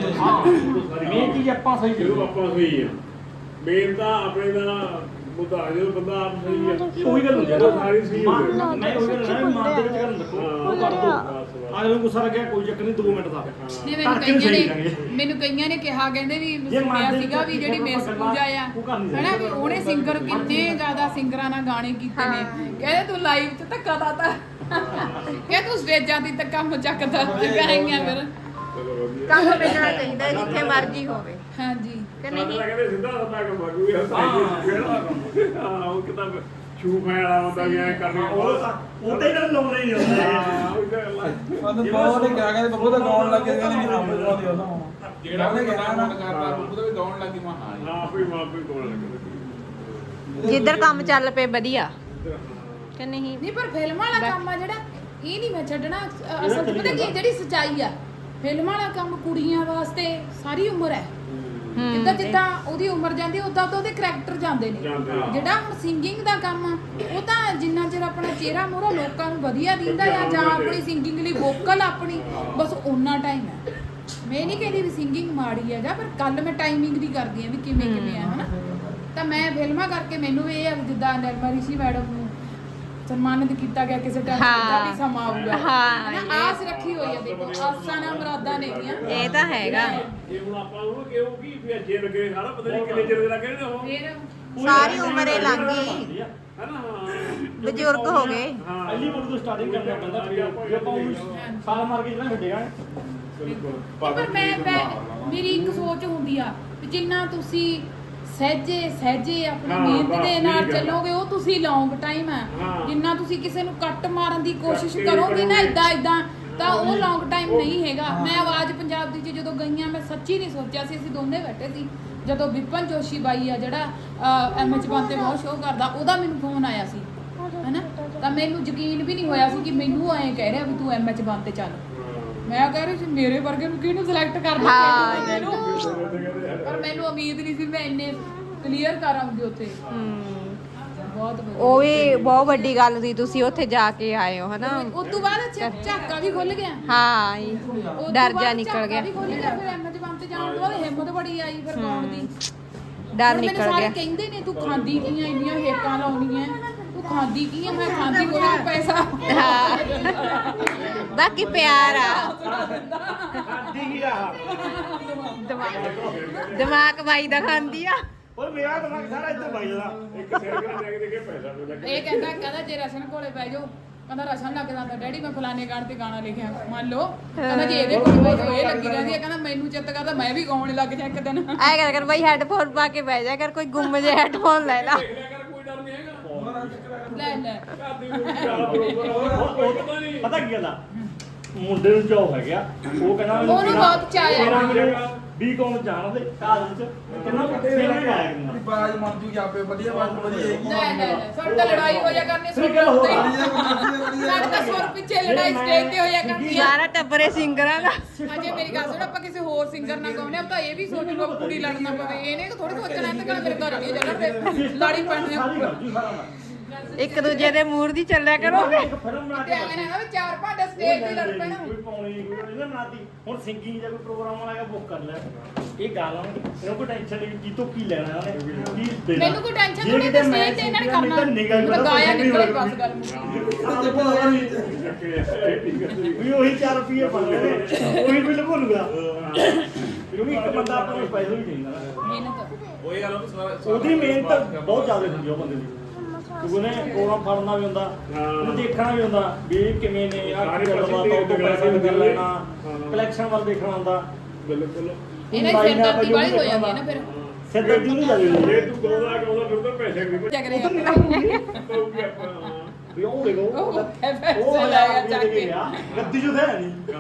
ਮੇਨ ਚੀਜ਼ ਆਪਾਂ ਸਹੀ ਜਦੋਂ ਕਰੀਏ ਆਪਾਂ ਸਹੀ ਆ ਮੇਨ ਤਾਂ ਆਪਣੇ ਦਾ ਮੁੱਦਾ ਜਦੋਂ ਬੰਦਾ ਆਪ ਸਹੀ ਆ ਉਹੀ ਗੱਲ ਹੁੰਦੀ ਆ ਉਹ ਸਾਰੀ ਸਹੀ ਹੋ ਗਈ ਮੈਂ ਉਹੀ ਗੱਲ ਨਾ ਮਾਂ ਦੇ ਵਿੱਚ ਗੱਲ ਰੱਖੋ ਉਹ ਕਰ ਦੋ ਅਗਲੇ ਨੂੰ ਗੁੱਸਾ ਲੱਗਿਆ ਕੋਈ ਚੱਕਰ ਨਹੀਂ 2 ਮਿੰਟ ਦਾ ਨੇ ਕਰਕੇ ਵੀ ਸਹੀ ਕਰਾਂਗੇ। ਮੈਨੂੰ ਕਈਆਂ ਨੇ ਕਿਹਾ ਕਹਿੰਦੇ ਵੀ ਜੇ ਸੁਣਿਆ ਮੰਨਦੇ ਸੀਗਾ ਵੀ ਤਾਂ ਜਿਹੜੀ ਠੀਕ ਆ, ਮਿਸ ਆਪਾਂ ਪੂਜਾ ਆ ਉਹ ਕਰਨੀ ਹੈਨਾ ਵੀ ਚਾਹੀਦੀ। ਉਹਨੇ ਸਿੰਗਰ ਕਿੰਨੇ ਜ਼ਿਆਦਾ ਸਿੰਗਰਾਂ ਨਾਲ ਗਾਣੇ ਕੀਤੇ ਨੇ ਕਹਿੰਦੇ ਤੂੰ ਲਾਈਵ 'ਚ ਧੱਕਾ ਦਾਤਾ ਕਹਿੰਦੇ ਤੂੰ ਸਟੇਜਾਂ ਦੀ ਧੱਕਾ ਮਚਕਦਾ ਕਰਾਈਆਂ ਫਿਰ ਚਲੋ ਵਧੀਆ ਕੰਮ ਮਿਲਣਾ ਚਾਹੀਦਾ ਜਿੱਥੇ ਮਰਜ਼ੀ ਹੋਵੇ ਹਾਂਜੀ ਕਿ ਨਹੀਂ ਨਹੀਂ ਕਹਿੰਦੇ ਸਿੱਧਾ ਸਦਾ ਕੰਮ ਕਰੂ ਯਾਰ ਹਾਂ ਉਹ ਕਿਤਾਬ ਛੂ ਫੈਣ ਵਾਲਾ ਹੁੰਦਾ ਵੀ ਐ ਕਰਨੀ ਉਹ ਤੇ ਗੱਲ ਲਾਉਣੇ ਨਹੀਂ ਹੁੰਦੇ ਹਾਂ ਉਹ ਗੱਲ ਆ। ਸਾਨੂੰ ਬਹੁਤ ਨੇ ਕਿਹਾ ਕਹਿੰਦੇ ਬੱਬੂ ਤਾਂ ਗਾਉਣ ਲੱਗੇ ਕਹਿੰਦੇ ਨਹੀਂ ਹਾਂ ਬੱਬੂ ਦੀ ਉਹਦਾ ਹੋਣਾ ਜਿਹੜਾ ਉਹਨੇ ਬੰਦਾ ਕਿਹਾ ਨਾ ਫੋਨ ਕਰਦਾ ਉਹਦੇ ਵੀ ਗਾਉਣ ਲੱਗੀ ਮੈਂ ਹਾਂ ਹਾਂ ਆਪੇ ਮਾਂ ਆਪੇ ਕੋਲ ਲੱਗਦਾ ਜਿੱਧਰ ਕੰਮ ਚੱਲ ਪਏ ਵਧੀਆ ਕਿ ਨਹੀਂ ਨਹੀਂ ਪਰ ਫਿਲਮ ਵਾਲਾ ਕੰਮ ਆ ਜਿਹੜਾ ਇਹ ਨਹੀਂ ਮੈਂ ਛੱਡਣਾ ਅਸਲ 'ਚ ਪਤਾ ਕੀ ਜਿਹੜੀ ਸਚਾਈ ਆ ਫਿਲਮ ਵਾਲਾ ਕੰਮ ਕੁੜੀਆਂ ਵਾਸਤੇ ਸਾਰੀ ਉਮਰ ਹੈ ਜਿੱਦਾਂ ਜਿੱਦਾਂ ਉਹਦੀ ਉਮਰ ਜਾਂਦੀ ਉਦਾਂ ਤਾਂ ਉਹਦੇ ਕਰੈਕਟਰ ਜਾਂਦੇ ਨੇ ਜਾਂਦੇ ਆ। ਜਿਹੜਾ ਹੁਣ ਸਿੰਗਿੰਗ ਦਾ ਕੰਮ ਆ ਉਹ ਤਾਂ ਜਿੰਨਾ ਚਿਰ ਆਪਣਾ ਚਿਹਰਾ ਮੂਹਰਾ ਲੋਕਾਂ ਨੂੰ ਵਧੀਆ ਦਿੰਦਾ ਆ ਜਾਂ ਆਪਣੀ ਸਿੰਗਿੰਗ ਲਈ ਵੋਕਲ ਆਪਣੀ ਬਸ ਓਨਾ ਟਾਈਮ ਹੈ ਮੈਂ ਨਹੀਂ ਕਹਿੰਦੀ ਵੀ ਸਿੰਗਿੰਗ ਮਾੜੀ ਆ ਜਾਂ ਪਰ ਕੱਲ ਮੈਂ ਟਾਈਮਿੰਗ ਦੀ ਕਰਦੀ ਆ ਵੀ ਕਿਵੇਂ ਕਿਵੇਂ ਆ ਹਨਾ ਤਾਂ ਮੈਂ ਫਿਲਮਾਂ ਕਰਕੇ ਮੈਨੂੰ ਇਹ ਆ ਵੀ ਜਿੱਦਾਂ ਨਿਰਮਾ ਰਿਸ਼ੀ ਮੈਡਮ ਨੂੰ ਸਨਮਾਨਿਤ ਕੀਤਾ ਗਿਆ ਕਿਸੇ ਟਾਈਮ ਦਾ ਵੀ ਸਮਾਂ ਆਊਗਾ ਹਾਂ, ਹਨਾ ਆਸ ਰੱਖੀ ਹੋਈ ਆ ਦੇਖੋ ਆਸਾਂ ਨਾਲ ਮੁਰਾਦਾਂ ਨੇਗੀਆਂ ਇਹ ਤਾਂ ਹੈਗਾ ਇਹ ਹੁਣ ਆਪਾਂ ਉਹਨੂੰ ਕਿਉਂ ਕੀ ਵੀ ਅੱਜੇ ਲੱਗੇ ਸਾਰਾ ਪਤਾ ਨਹੀਂ ਕਿੰਨੇ ਚਿਰ ਦੇ ਲੱਗੇ ਨੇ ਉਹ ਫਿਰ ਸਾਰੀ ਉਮਰ ਹੀ ਲੰਘ ਗਈ ਬਣਦੀ ਆ। ਹੈ ਨਾ ਹਾਂ ਬਜ਼ੁਰਗ ਹੋ ਗਏ ਹਾਂ ਪਹਿਲੀ ਵਾਰ ਤੋਂ ਸਟਾਰਟਿੰਗ ਕਰਨਾ ਪੈਂਦਾ ਜੇ ਆਪਾਂ ਉਹਨੂੰ ਸਾਲ ਮਾਰ ਕੇ ਜਿਹੜਾ ਛੱਡੇਗਾ ਬਿਲਕੁਲ ਪਰ ਮੈਂ ਮੇਰੀ ਇੱਕ ਸੋਚ ਹੁੰਦੀ ਆ ਵੀ ਜਿੰਨਾ ਤੁਸੀਂ ਸਹਿਜੇ ਆਪਣੀ ਹਾਂ, ਮਿਹਨਤ ਬਸ ਦੇ ਇਹੀ ਨਾਲ ਗੱਲ ਆ। ਚੱਲੋਗੇ ਉਹ ਤੁਸੀਂ ਲੌਂਗ ਟਾਈਮ ਆ ਹਾਂ। ਜਿੰਨਾ ਤੁਸੀਂ ਕਿਸੇ ਨੂੰ ਕੱਟ ਮਾਰਨ ਦੀ ਕੋਸ਼ਿਸ਼ ਕੱਟ ਕਰੋਗੇ ਨਾ ਕਰੋਗੇ। ਇਦਾਂ ਤਾਂ ਉਹ ਉਹੀ- ਲੌਂਗ ਟਾਈਮ ਉਹ- ਨਹੀਂ ਹੈਗਾ ਮੈਂ ਆਵਾਜ਼ ਪੰਜਾਬ ਦੀ 'ਚ ਜਦੋਂ ਗਈਆਂ ਮੈਂ ਸੱਚੀ ਨਹੀਂ ਸੋਚਿਆ ਸੀ ਅਸੀਂ ਦੋਨੇ ਬੈਠੇ ਸੀ ਜਦੋਂ ਵਿਪਨ ਜੋਸ਼ੀ ਬਾਈ ਆ ਜਿਹੜਾ ਐਮਐਚ ਬੰਤੇ ਬਹੁਤ ਸ਼ੋਅ ਕਰਦਾ ਉਹਦਾ ਮੈਨੂੰ ਫੋਨ ਆਇਆ ਸੀ ਹੈਨਾ ਤਾਂ ਮੈਨੂੰ ਯਕੀਨ ਵੀ ਨਹੀਂ ਹੋਇਆ ਸੀ ਕਿ ਮੈਨੂੰ ਐਂ ਕਹਿ ਰਿਹਾ ਵੀ ਤੂੰ ਐਮਐਚ ਬੰਤੇ ਚੱਲ ਮੈਂ ਕਹਿ ਰਹੀ ਸੀ ਮੇਰੇ ਵਰਗੇ ਨੂੰ ਕਿਹਨੂੰ ਸਿਲੈਕਟ ਕਰਨਾ ਹਾਂ, ਮੈਨੂੰ ਪਰ ਮੈਨੂੰ ਉਮੀਦ ਨਹੀਂ ਸੀ ਮੈਂ ਇੰਨੇ ਕਲੀਅਰ ਕਰਾਂਗੀ ਉੱਥੇ ਬਹੁਤ ਵਧੀਆ ਉਹ ਵੀ ਬਹੁਤ ਵੱਡੀ ਗੱਲ ਸੀ ਤੁਸੀਂ ਉੱਥੇ ਜਾ ਕੇ ਆਏ ਹੋ ਹਨਾ ਉਸ ਤੋਂ ਬਾਅਦ ਝਾਕਾ ਵੀ ਖੁੱਲ ਗਿਆ ਹਾਂ ਉਸ ਤੋਂ ਡਰ ਬਾਅਦ ਜਾ ਨਿਕਲ ਝਾਕਾ ਗਿਆ ਵੀ ਖੁੱਲ ਗਿਆ ਫਿਰ ਐਮਐਚ ਬੰਤੇ ਜਾਣ ਤੋਂ ਬਾਅਦ ਹਿੰਮਤ ਬੜੀ ਆਈ ਫਿਰ ਗਾਉਣ ਦੀ ਡਰ ਹੁਣ ਮੈਨੂੰ ਨਿਕਲ ਸਾਰੇ ਗਿਆ ਕਹਿੰਦੇ ਨੇ ਤੂੰ ਖਾਂਦੀ ਕੀ ਆ ਇੰਨੀਆਂ ਹੇਕਾਂ ਲਾਉਣੀਆਂ ਤੂੰ ਖਾਂਦੀ ਕੀ ਆ ਮੈਂ ਖਾਂਦੀ ਕੋਈ ਪੈਸਾ ਹਾਂ ਬਾਕੀ ਪਿਆਰ ਆ ਖਾਦੀ ਕੀ ਆ ਦਿਮਾਗ ਬਾਈ ਦਾ ਖਾਂਦੀ ਆ ਪਰ ਮੇਰਾ ਦਿਮਾਗ ਸਾਰਾ ਇੱਧਰ ਵੱਜ ਜਾਂਦਾ ਇੱਕ ਸੈਕਿੰਡ ਲੈ ਕੇ ਦੇਖੇ ਪੈਸਾ ਮਿਲ ਲੱਗੇ ਇਹ ਕਹਿੰਦਾ ਜੇ ਰਸਨ ਕੋਲੇ ਬਹਿ ਜਾਓ ਕਹਿੰਦਾ ਰਸਨ ਲੱਗ ਜਾਂਦਾ ਡੈਡੀ ਮੈਂ ਫਲਾਣੇ ਗਾਣੇ ਤੇ ਗਾਣਾ ਲਿਖਿਆ ਮੰਨ ਲਓ ਕਹਿੰਦਾ ਜੇ ਇਹਦੇ ਕੋਲ ਬਹਿ ਜਾਓ ਇਹ ਲੱਗੀ ਰਹਿੰਦੀ ਹੈ ਕਹਿੰਦਾ ਮੈਨੂੰ ਚਿੱਤ ਕਰਦਾ ਮੈਂ ਵੀ ਗਾਉਣ ਲੱਗ ਜਾ ਇੱਕ ਦਿਨ ਐ ਕਰ ਬਾਈ ਹੈੱਡਫੋਨ ਪਾ ਕੇ ਬਹਿ ਜਾ ਕਰ ਕੋਈ ਗੁੰਮ ਜੇ ਹੈੱਡਫੋਨ ਲੈ ਲਾ ਦੇਖ ਲਿਆ ਕਰ ਕੋਈ ਡਰ ਨਹੀਂ ਹੈਗਾ ਲੈ ਘਰ ਦੀ ਕੋਈ ਚਾਹ ਬਰੋਬਰ ਪਤਾ ਨਹੀਂ ਪਤਾ ਕੀ ਗੱਲ ਆ ਮੁੰਡੇ ਨੂੰ ਚਾਹ ਹੈਗਾ ਉਹ ਕਹਿੰਦਾ ਮੈਨੂੰ ਉਹਨੂੰ ਬਹੁਤ ਚਾਅ ਆ। ਮੇਰਾ ਮੈਨੂੰ ਵੀ ਕੌਣ ਜਾਣਦੇ ਕਾਲਜ ਚ ਕਹਿੰਦਾ ਤੇਰਾ ਕੀ ਆਇਆ ਕਰਨਾ ਬਾਜ ਮੰਨ ਜੂ ਜਾਪੇ ਵਧੀਆ ਬਾਤ ਵਧੀਆ ਹੈਗੀ ਲੈ ਸਾਡੀ ਤਾਂ ਲੜਾਈ ਹੋ ਜਾ ਕਰਨੀ ਫਿਰ ਗੱਲ ਹੋਰ ਆ। ਸਾਡੇ ਤਾਂ ਸੁਰ ਪਿੱਛੇ ਲੜਾਈ ਸਟੇਜ ਤੇ ਹੋ ਜਾ ਕਰਨੀ ਆ ਸਾਰਾ ਟੱਬਰੇ ਸਿੰਗਰਾਂ ਦਾ ਅਜੇ ਮੇਰੀ ਗੱਲ ਸੁਣ ਆਪਾਂ ਕਿਸੇ ਹੋਰ ਸਿੰਗਰ ਨਾਲ ਗਾਉਨੇ ਆ ਤਾਂ ਇਹ ਵੀ ਸੋਚ ਲਓ ਕੁੜੀ ਲੜਨਾ ਪਵੇ ਇਹਨੇ ਥੋੜੀ ਸੋਚਣਾ ਤੇ ਕਹਿੰਦਾ ਮੇਰੇ ਘਰ ਵਾਲੀ ਚੱਲਣ ਦੇ ਲੜੀ ਪੈਣੀ ਆ ਸਾਰੀ ਗੱਲ ਜੀ ਸਾਰਾ ਕੁਝ। ਇੱਕ ਦੂਜੇ ਦੇ ਮੂਡ ਦੀ ਚੱਲਿਆ ਕਰੋਗੇ ਇੱਕ ਫਿਲਮ ਬਣਾ ਤੇ ਕੇ ਐਵੇਂ ਨਾ ਨਾ ਵੀ ਚਾਰ ਭਾਂਡੇ ਸਟੇਜ ਤੇ ਲੜ ਪੈਣਾ ਕੋਈ ਪਾਉਣੀ ਕੋਈ ਇਹਨੇ ਬਣਾਤੀ ਹੁਣ ਸਿੰਗਿੰਗ ਦਾ ਕੋਈ ਪ੍ਰੋਗਰਾਮ ਆਏਗਾ ਬੁੱਕ ਕਰ ਲੈ ਇਹ ਗੱਲ ਆ ਇਹਨੂੰ ਕੋਈ ਟੈਨਸ਼ਨ ਨਹੀਂ ਕੀ ਤੋਂ ਕੀ ਲੈਣਾ ਉਹਨੇ ਕੀ ਦੇਣਾ ਮੈਨੂੰ ਕੋਈ ਟੈਨਸ਼ਨ ਜੇ ਥੋੜੀ ਕਿਤੇ ਤੇ ਮੈਂ ਸਟੇਜ ਤੇ ਇਹਨਾਂ ਨੇ ਮੈਨੂੰ ਤਾਂ ਕਰਨਾ ਨਿਗਾਹ ਮੈਂ ਗਾਇਆ ਨਹੀਂ ਨਿਕਲੇ ਹੋਏਗੀ। ਬਸ ਗੱਲ ਮੁੱਕੀ ਵੀ ਉਹੀ 4 ਰੁਪਏ ਬਣ ਗਏ ਉਹੀ ਬਿੱਲ ਭੁੱਲੂਗਾ ਕਿਉਂਕਿ ਇੱਕ ਬੰਦਾ ਆਪਾਂ ਨੂੰ ਪੈਸੇ ਵੀ ਚਾਹੀਦਾ ਨਾ ਮਿਹਨਤ ਉਹ ਯਾਰ ਉਹ ਸਾਰਾ ਉਹਦੀ ਮਿਹਨਤ ਬਹੁਤ ਜ਼ਿਆਦਾ ਹੁੰਦੀ ਆ ਉਹ ਬੰਦੇ ਦੀ ਕਿਉਂਕਿ ਉਹਨੇ ਪ੍ਰੋਗਰਾਮ ਫੜਨਾ ਵੀ ਹੁੰਦਾ ਉਹਨੂੰ ਦੇਖਣਾ ਵੀ ਹੁੰਦਾ ਵੀ ਇਹ ਕਿਵੇਂ ਨੇ ਆਹ ਸਾਰੇ ਕੀ ਗੱਲਬਾਤ ਆ ਉਦੋਂ ਪੈਸੇ ਵੀ ਕਰ ਲੈਣਾ ਕਲੈਕਸ਼ਨ ਵੱਲ ਦੇਖਣਾ ਹੁੰਦਾ ਬਿਲਕੁਲ ਇਹਨਾਂ ਦੀ ਸਿਰਦਰਦੀ ਵਾਲੀ ਹੋ ਜਾਂਦੀ ਹੈ ਨਾ ਫਿਰ ਸਿਰਦਰਦੀ ਨਹੀਂ ਜਾਂਦੀ ਜੇ ਤੂੰ ਗਾਉਂਦਾ ਫਿਰ ਤਾਂ ਪੈਸੇ ਵੀ ਜਗ ਰਿਹਾ ਪਊਗੀ ਆਪਾਂ ਵੀ ਉਹ ਦੇਖੋ ਉਹ ਪੈਸੇ ਲਾਇਆ ਚੱਕ ਕੇ ਗੱਦੀ ਜੋ ਹੈ ਨਹੀਂ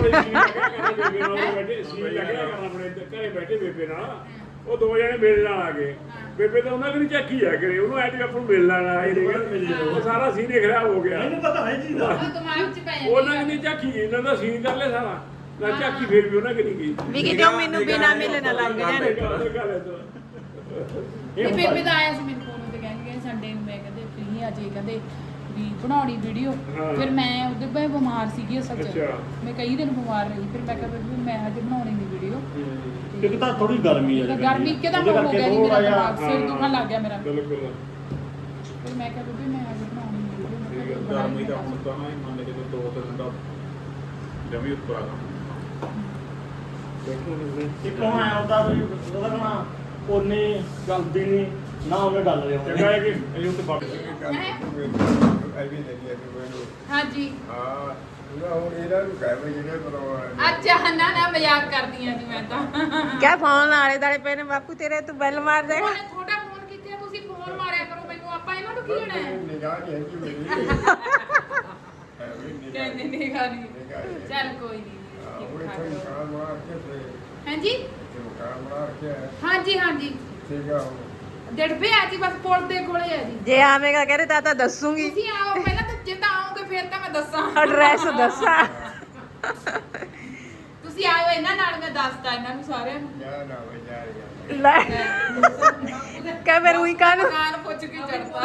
ਘਰੇ ਬੈਠੇ ਬੇਬੇ ਨਾਲ ਉਹ ਦੋ ਜਣੇ ਮਿਲਣ ਆ ਗਏ ਬੇਬੇ ਤਾਂ ਉਹਨਾਂ ਕੋਲ ਝਾਕੀ ਆ ਕਰੇ ਉਹਨੂੰ ਐ ਕਿ ਆਪਾਂ ਨੂੰ ਮਿਲਣ ਆਏ ਨੇ ਉਹ ਸਾਰਾ ਸੀਨ ਹੀ ਖਰਾਬ ਹੋ ਗਿਆ ਮੈਨੂੰ ਪਤਾ ਹੈ ਜੀ ਦਾ ਉਹ ਦਿਮਾਗ 'ਚ ਪੈ ਜਾਂਦੀ ਉਹਨਾਂ ਨੇ ਝਾਕੀ ਇਹਨਾਂ ਦਾ ਸੀਨ ਕਰ ਲਿਆ ਸਾਰਾ ਨਾ ਝਾਕੀ ਫੇਰ ਵੀ ਉਹਨਾਂ ਕਿ ਨਹੀਂ ਗਈ ਵੀ ਕਿਤੇ ਉਹ ਮੈਨੂੰ ਬਿਨਾ ਮਿਲੇ ਨਾ ਲੱਗ ਜਾਣ ਇਹ ਬੇਬੇ ਦਾ ਆਇਆ ਸੀ ਮੇਰੇ ਕੋਲ ਤੇ ਕਹਿੰਦੇ ਸੰਡੇ ਨੂੰ ਮੈਂ ਕਹਿੰਦੇ ਫ੍ਰੀ ਅੱਜ ਇਹ ਕਹਿੰਦੇ ਵੀ ਬਣਾਉਣੀ ਵੀਡੀਓ ਹਾਂ। ਫਿਰ ਮੈਂ ਉਹਦੇ ਮੈਂ ਬਿਮਾਰ ਸੀਗੀ ਅਸਲ 'ਚ ਅੱਛਾ। ਮੈਂ ਕਈ ਦਿਨ ਬਿਮਾਰ ਰਹੀ ਫਿਰ ਮੈਂ ਕਿਹਾ ਵੀ ਮੈਂ ਅੱਜ ਬਣਾਉਣੀ ਨਹੀਂ ਵੀਡੀਓ ਇੱਕ ਤਾਂ ਥੋੜੀ ਗਰਮੀ ਆ ਗਰਮੀ ਇੱਕਦਮ ਹੋ ਗਿਆ ਜੀ ਮੇਰਾ ਦਿਮਾਗ ਸਿਰ ਦੁਖਣ ਲੱਗ ਗਿਆ ਮੇਰਾ ਬਿਲਕੁਲ ਫਿਰ ਮੈਂ ਕਿਹਾ ਵੀ ਮੈਂ ਅੱਜ ਬਣਾਉਣੀ ਨਹੀਂ ਠੀਕ ਹੈ ਵੀਡੀਓ ਗਰਮੀ ਦਾ ਹੁਣ ਤਾਂ ਨਾ ਹੀ ਮੰਨ ਕੇ ਦੋ ਤਿੰਨ ਦਾ ਜਮੀ ਉੱਪਰ ਆ ਇੱਕ ਹੁਣ ਆਇਆ ਹੁੰਦਾ ਵੀ ਉਹਦਾ ਕਹਣਾ ਉਹਨੇ ਗਲਦੀ ਨਹੀਂ ਨਾ ਉਹਨੇ ਡਲ ਰਿਹਾ ਚੰਗਾ ਹੈ ਕਿ ਇਹ ਉੱਤੇ ਪੱਕ ਹਾਂਜੀ ਹਾਂ ਹੁਣ ਇਹਨਾਂ ਨੂੰ ਕਹਿ ਬਈ ਜਿਹੜੇ ਪਰ ਅੱਛਾ ਨਾ ਨਾ ਮਜ਼ਾਕ ਕਰਦੀ ਆ ਜੀ ਮੈਂ ਤਾਂ ਕਿਆ ਫੋਨ ਆਲੇ ਦਾਲੇ ਪਏ ਨੇ ਬਾਪੂ ਤੇਰੇ ਤੂੰ ਬੈਲ ਮਾਰ ਦੇਗਾ ਉਹਨੇ ਤੁਹਾਡਾ ਫੋਨ ਕਿੱਥੇ ਆ? ਤੁਸੀਂ ਫੋਨ ਮਾਰਿਆ ਕਰੋ ਮੈਨੂੰ ਆਪਾਂ ਇਹਨਾਂ ਨੂੰ ਕੀ ਲੈਣਾ ਹੈ ਨਿਗਾਹ ਨਹੀਂ ਹੈਗੀ ਮੇਰੀ ਕਹਿੰਦੇ ਨਹੀਂ ਖਾਣੀ ਚੱਲ ਕੋਈ ਉਹ ਨਹੀਂ ਇੱਥੇ ਮਕਾਨ ਬਣਾ ਕੇ ਤੇ ਹਾਂਜੀ ਇੱਥੇ ਮਕਾਨ ਬਣਾ ਕੇ ਹਾਂਜੀ ਹਾਂਜੀ ਠੀਕ ਆ ਹੁਣ ਡੜਬੇ ਆ ਜੀ ਬਸ ਪੁਲ ਦੇ ਕੋਲੇ ਆ ਜੀ ਜੇ ਆਵੇਂਗਾ ਕਹਿੰਦੇ ਤਾਂ ਦੱਸੂਗੀ ਤੁਸੀਂ ਆਓ ਪਹਿਲਾਂ ਤਾਂ ਜੇ ਤਾਂ ਆਓਗੇ ਫਿਰ ਤਾਂ ਮੈਂ ਦੱਸਾਂ ਐਡਰੈਸ ਦੱਸਾਂ ਤੁਸੀਂ ਆਇਓ ਇਹਨਾਂ ਨਾਲ ਮੈਂ ਦੱਸਦਾ ਇਹਨਾਂ ਨੂੰ ਸਾਰਿਆਂ ਨੂੰ ਜਾ ਨਾ ਬਈ ਜਾ ਰਿਹਾ ਲੈ ਕਹਿ ਮੈਂ ਰੂਈ ਕਾਨ ਦੁਕਾਨ ਪੁੱਛ ਕੇ ਚੜਦਾ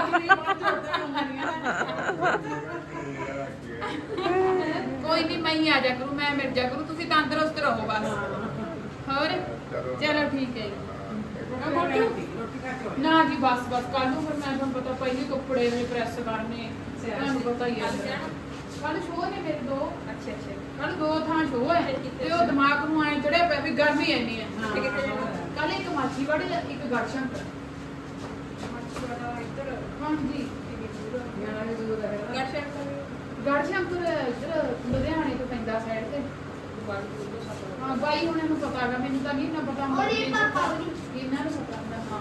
ਕੋਈ ਨਹੀਂ ਮੈਂ ਹੀ ਆ ਜਾ ਕਰੂ ਮੈਂ ਮਿਲ ਜਾ ਕਰੂ ਤੁਸੀਂ ਤੰਦਰੁਸਤ ਰਹੋ ਬਸ ਹੋਰ ਚਲੋ ਠੀਕ ਹੈ ਜੀ ਨਾ ਜੀ ਬਸ ਕੱਲ ਨੂੰ ਫਿਰ ਮੈਂ ਤੁਹਾਨੂੰ ਪਤਾ ਪਹਿਲੇ ਕੱਪੜੇ ਨੇ ਪ੍ਰੈਸ ਕਰਨੇ ਤੁਹਾਨੂੰ ਪਤਾ ਹੀ ਹੈ ਕੱਲ ਸ਼ੋਅ ਨੇ ਮੇਰੇ ਦੋ ਅੱਛਾ ਕੱਲ ਦੋ ਥਾਂ ਸ਼ੋਅ ਹੈ ਤੇ ਉਹ ਦਿਮਾਗ ਨੂੰ ਐ ਚੜਿਆ ਪਿਆ ਵੀ ਗਰਮੀ ਐਨੀ ਹੈ ਕੱਲ ਇੱਕ ਮਾਛੀਵਾੜੇ ਇੱਕ ਗੜਸ਼ੰਕਰ ਹਾਂਜੀ ਗੜਸ਼ੰਕਰ ਇੱਧਰ ਲੁਧਿਆਣੇ ਤੋਂ ਪੈਂਦਾ ਸਾਈਡ ਤੇ ਹਾਂ ਬਾਈ ਉਹਨਾਂ ਨੂੰ ਪਤਾ ਹੈਗਾ ਮੈਨੂੰ ਤਾਂ ਨਹੀਂ ਨਾ ਪਤਾ ਹੁੰਦਾ ਔਰ ਇਹ ਪਾਪਾ ਇਹਨਾਂ ਨੂੰ ਪਤਾ ਹੁੰਦਾ ਹਾਂ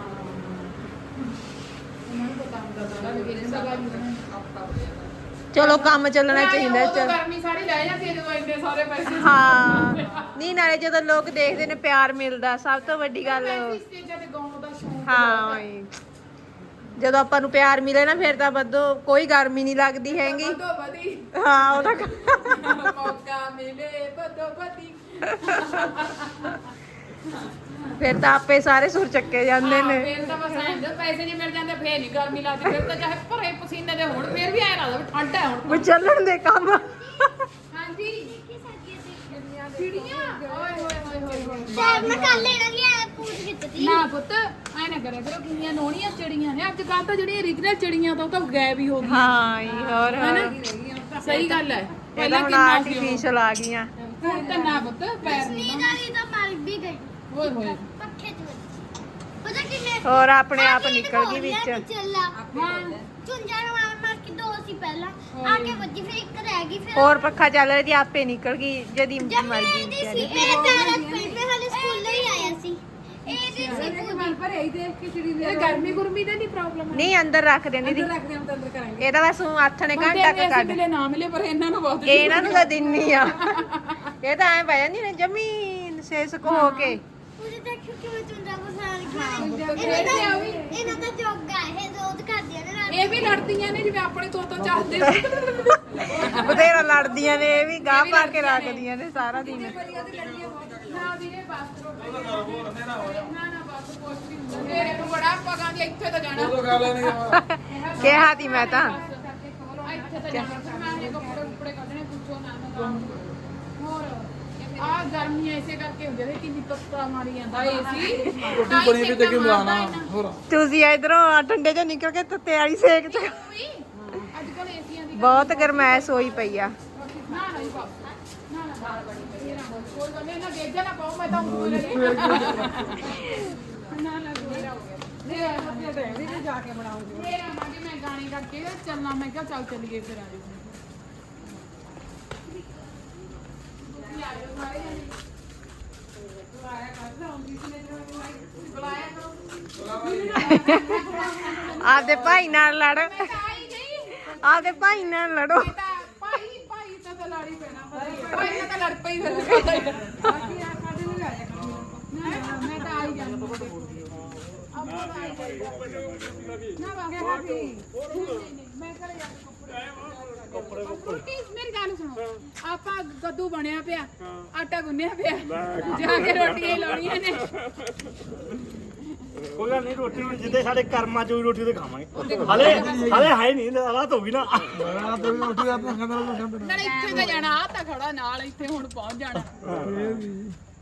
ਉਹਨਾਂ ਨੂੰ ਪਤਾ ਹੁੰਦਾ ਸਾਰਾ ਲੋਕੇਸ਼ਨ ਦਾ ਗੱਲ ਚਲੋ ਕੰਮ ਚੱਲਣਾ ਚਾਹੀਦਾ ਉਦੋਂ ਗਰਮੀ ਸਾਰੀ ਲੈ ਜਾਂਦੀ ਹੈ ਜਦੋਂ ਇੰਨੇ ਸਾਰੇ ਪੈਸੇ ਹਾਂ ਨਹੀਂ ਨਾਲੇ ਜਦੋਂ ਲੋਕ ਦੇਖਦੇ ਨੇ ਪਿਆਰ ਮਿਲਦਾ ਸਭ ਤੋਂ ਵੱਡੀ ਗੱਲ ਸਟੇਜਾਂ ਤੇ ਗਾਉਣ ਦਾ ਸ਼ੌਂਕ ਹਾਂ ਉਹੀ। ਜਦੋਂ ਆਪਾਂ ਨੂੰ ਪਿਆਰ ਮਿਲੇ ਨਾ ਫਿਰ ਤਾਂ ਬੱਦੋ ਕੋਈ ਗਰਮੀ ਨਹੀਂ ਲੱਗਦੀ ਹੈਗੀ ਬਦੋ ਬਦੀ ਹਾਂ ਉਹਦਾ ਮੌਕਾ ਮਿਲੇ ਬਦੋ ਬਦੀ ਫਿਰ ਤਾਂ ਆਪੇ ਸਾਰੇ ਸੁਰ ਚੱਕੇ ਜਾਂਦੇ ਨੇ ਫਿਰ ਤਾਂ ਬਸ ਐਂ ਪੈਸੇ ਜੇ ਮਿਲ ਜਾਂਦੇ ਫੇਰ ਨਹੀਂ ਗਰਮੀ ਲੱਗਦੀ ਫਿਰ ਤਾਂ ਚਾਹੇ ਭਰੇ ਪਸੀਨੇ ਦੇ ਹੋਣ ਫੇਰ ਵੀ ਐਂ ਲੱਗਦਾ ਵੀ ਠੰਡ ਹੈ ਹੁਣ ਵੀ ਚੱਲਣ ਦੇ ਕੰਮ ਹਾਂਜੀ ਚਿੜੀਆਂ ਓਏ ਹੋਏ ਹੋਏ ਹੋਏ ਹੋਏ ਸ਼ਾਇਦ ਮੈਂ ਕੱਲ ਲੈਣਾ ਕਿ ਐ ਪੂਛ ਕੀਤੀ ਨਾ ਪੁੱਤ ਐ ਨਾ ਕਰਿਆ ਕਰੋ ਕਿੰਨੀਆਂ ਨੋਣੀਆਂ ਚਿੜੀਆਂ ਨੇ ਅੱਜ ਕੱਲ ਤਾਂ ਜਿਹੜੀਆਂ origignal ਚਿੜੀਆਂ ਤਾਂ ਉਹ ਤਾਂ ਗਾਇਬ ਹੀ ਹੋ ਗਈਆਂ ਹਾਂ ਜੀ ਹੋਰ ਹੈਨਾ ਸਹੀ ਗੱਲ ਹੈ ਇਹ ਤਾਂ ਹੁਣ ਆਰਟੀਫੀਸ਼ਲ ਆ ਗਈਆਂ ਹੁਣ ਤਾਂ ਨਾ ਪੁੱਤ ਪੈਰ ਨਹੀਂ ਨੀਂਦ ਵਾਲੀ ਤਾਂ ਮਰ ਵੀ ਗਈ ਓਏ ਹੋਏ ਪੱਖੇ ਚ ਵੱਜੀ। ਪਤਾ ਕਿੰਨੇ ਹੋਰ ਆਪਣੇ ਆਪ ਨਿਕਲ ਗਈ ਵਿੱਚ ਚੱਲਾ ਹਾਂ ਝੁੰਝਾ ਨੂੰ ਮਾਰ ਕੇ ਦੋ ਸੀ ਪਹਿਲਾਂ ਆ ਕੇ ਵੱਜੀ ਫਿਰ ਇੱਕ ਰਹਿ ਗਈ ਫਿਰ ਹੋਰ ਪੱਖਾ ਚੱਲ ਰਿਹਾ ਜੀ ਆਪੇ ਨਿਕਲ ਗਈ ਜਦੀ ਜਦ ਮਰ ਮੈਂ ਗਈ ਇਹਦੀ ਸੀ ਵਿਚਾਰੀ। ਇਹ ਪੈਰਾਂ ਚ ਪਈ ਮੈਂ ਹਾਲੇ ਸਕੂਲ ਹੀ ਆਇਆ ਸੀ ਇਹਦੀ ਸੀ ਪੂਰੀ ਇਹ ਗਰਮੀ ਗੁਰਮੀ ਦਾ ਨਹੀਂ ਪ੍ਰੋਬਲਮ ਹੈ ਨਹੀਂ ਅੰਦਰ ਰੱਖ ਦਿੰਦੀ ਦੀ ਇਹ ਤਾਂ ਬਸ ਊਂ ਹੱਥ ਨੇ ਘੰਟਾ ਕੁ ਕੱਢ ਮਿਲੇ ਨਾ ਮਿਲੇ ਪਰ ਇਹਨਾਂ ਨੂੰ ਬਹੁਤ ਇਹਨਾਂ ਨੂੰ ਤਾਂ ਦਿੰਨੀ ਆ ਇਹ ਤਾਂ ਐ ਪੈ ਜਾਂਦੀ ਨੇ ਜ਼ਮੀਨ ਸੇਸਕ ਹੋ ਕੇ ਉਹਦੇ ਦੇਖੋ ਕਿਵੇਂ ਝੁੰਝਾ ਬਸਾਰ ਗਿਆ ਇਹਨਾਂ ਦਾ ਜੋਗਾ ਇਹ ਰੋਜ਼ ਕਰਦੀਆਂ ਨੇ ਰਾਤ ਇਹ ਵੀ ਲੜਦੀਆਂ ਨੇ ਜਿਵੇਂ ਆਪਣੇ ਤੋਂ ਚਾਹਦੇ ਬਥੇਰਾ ਲੜਦੀਆਂ ਨੇ ਇਹ ਵੀ ਗਾਹ ਪਾ ਕੇ ਰੱਖਦੀਆਂ ਨੇ ਸਾਰਾ ਦਿਨ ਨਾ ਵੀਰੇ ਬਸ ਨਾ ਬਸ ਕੁਛ ਵੀ ਹੁੰਦਾ ਮੇਰੇ ਨੂੰ ਬੜਾ ਪਕਾਂ ਦੀ ਇੱਥੇ ਤਾਂ ਜਾਣਾ ਉਹ ਗੱਲ ਨਹੀਂ ਕਿਹਾ ਤੀ ਮੈਂ ਤਾਂ ਇੱਥੇ ਤਾਂ ਜਾਣਾ ਫਿਰ ਮੈਂ ਇਹ ਕੱਪੜੇ ਕੁਪੜੇ ਕੱਢਣੇ ਪੁੱਛੋ ਨਾ ਨਾ ਹੋਰ ਆ ਗਰਮੀਆਂ ਐਸੇ ਕਰਕੇ ਹੁੰਦੇ ਨੇ ਕਿੰਨੀ ਤੱਤਾ ਮਾਰੀ ਜਾਂਦਾ ਏਸੀ ਰੋਟੀ ਬਣੀ ਵੀ ਤੇ ਕਿ ਬੁਲਾਣਾ ਹੋਰ ਤੁਸੀਂ ਇਧਰੋਂ ਠੰਡੇ ਚੋਂ ਨਿਕਲ ਕੇ ਤੱਤੇ ਵਾਲੀ ਸੇਕ ਚ ਅੱਜ ਕੱਲ ਏਸੀਆਂ ਦੀ ਬਹੁਤ ਗਰਮੈਸ਼ ਹੋਈ ਪਈ ਆ ਨਾ ਨਾ ਹੀ ਪਾਓ ਨਾ ਨਾ ਬਾਹਰ ਬੜੀ ਪਈ ਹੈ ਨਾ ਕੋਈ ਗੱਲ ਨਹੀਂ ਨਾ ਦੇਖਿਆ ਨਾ ਪਾਓ ਮੈਂ ਤਾਂ ਉਂਗਲ ਲਈ ਨਾ ਨਾ ਮੇਰਾ ਹੋ ਗਿਆ ਮੇਰਾ ਮੱਥੇ ਤੇ ਵੀ ਜਾ ਕੇ ਬਣਾਉਂਗੀ ਮੇਰਾ ਮਾਗੀ ਮੈਂ ਗਾਣੇ ਕਰਕੇ ਚੱਲਣਾ ਮੈਂ ਕਿਹਾ ਚੱਲ ਚੱਲੀਏ ਫਿਰ ਆ ਜਾਓ ਆਪਦੇ ਭਾਈ ਨਾਲ ਲੜ ਆਪਦੇ ਭਾਈ ਨਾਲ ਲੜੋ ਭਾਈ ਤਾਂ ਲੜੀ ਪੈਣਾ ਭਾਈ ਨਾਲ ਤਾਂ ਲੜ ਪਈ ਫਿਰ ਬਾਕੀ ਆ ਸਾਡੇ ਨੂੰ ਆ ਜਾ ਮੈਂ ਤਾਂ ਆਈ ਜਾਂਦੀ ਨਾ ਬਾਕੀ ਮੈਂ ਕਰੇ ਜਾ ਕੱਪੜੇ ਮੇਰੀ ਗੱਲ ਸੁਣੋ ਆਪਾਂ ਕੱਦੂ ਬਣਿਆ ਪਿਆ ਆਟਾ ਗੁੰਨਿਆ ਪਿਆ ਜਾ ਕੇ ਰੋਟੀਆਂ ਹੀ ਲਾਉਣੀਆਂ ਨੇ ਕੋਈ ਗੱਲ ਨਹੀਂ ਰੋਟੀ ਹੁਣ ਜਿੱਦੇ ਸਾਡੇ ਕਰਮਾਂ ਚੋਂ ਹੀ ਰੋਟੀ ਤੇ ਖਾਵਾਂਗੇ ਹਲੇ ਹੈ ਨਹੀਂ ਹਾਲਾਤ ਹੋ ਗਈ ਨਾ ਬੜਾ ਤੇ ਰੋਟੀ ਦਾ ਤਾਂ ਖਾਂਦਾ ਨਾਲੇ ਇੱਥੇ ਤਾਂ ਜਾਣਾ ਆ ਤਾਂ ਖੜਾ ਨਾਲ ਇੱਥੇ ਹੁਣ ਪਹੁੰਚ ਜਾਣਾ